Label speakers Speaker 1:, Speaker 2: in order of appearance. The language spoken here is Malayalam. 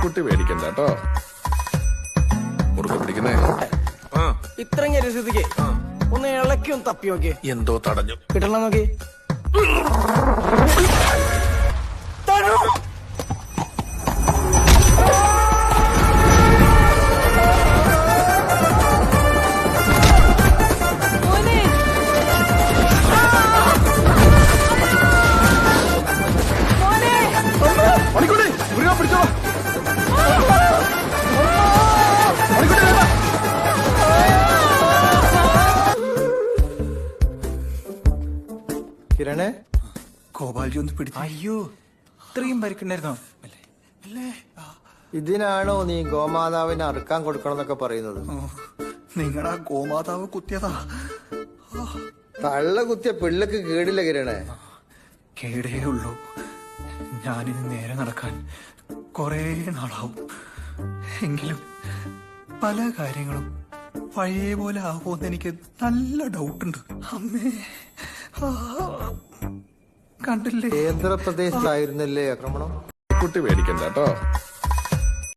Speaker 1: കുട്ടി പേടിക്കണ്ട കേട്ടോ. മുറുകെ പിടിക്കുന്നേ.
Speaker 2: ഇത്രയും രസത്തിക്ക് ഒന്ന് ഇളക്കി ഒന്ന് തപ്പി നോക്കി.
Speaker 1: എന്തോ തടഞ്ഞു.
Speaker 2: കിട്ടണം നോക്കി.
Speaker 3: കിരണേ,
Speaker 4: ഗോപാൽജി ഒന്ന് പിടിച്ചു. അയ്യോ, ഇത്രയും പരിക്കുണ്ടായിരുന്നോ?
Speaker 3: ഇതിനാണോ നീ ഗോമാതാവിനെ അറുക്കാൻ കൊടുക്കണം എന്നൊക്കെ പറയുന്നത്?
Speaker 4: നിങ്ങളാ ഗോമാതാവ് കുത്തിയതാ.
Speaker 3: തള്ള കുത്തിയ പിള്ളക്ക് കേടില്ല കിരണേ.
Speaker 4: കേടേ ഉള്ളൂ. ഞാനിനി നേരെ നടക്കാൻ കൊറേ നാളാവും. എങ്കിലും പല കാര്യങ്ങളും പഴയ പോലെ ആവുമെന്ന് എനിക്ക് നല്ല ഡൗട്ടുണ്ട്. അമ്മേ, കണ്ടില്ലേ?
Speaker 3: കേന്ദ്രപ്രദേശത്തായിരുന്നല്ലേ ആക്രമണം?
Speaker 1: കുട്ടി പേടിക്കണ്ട കേട്ടോ.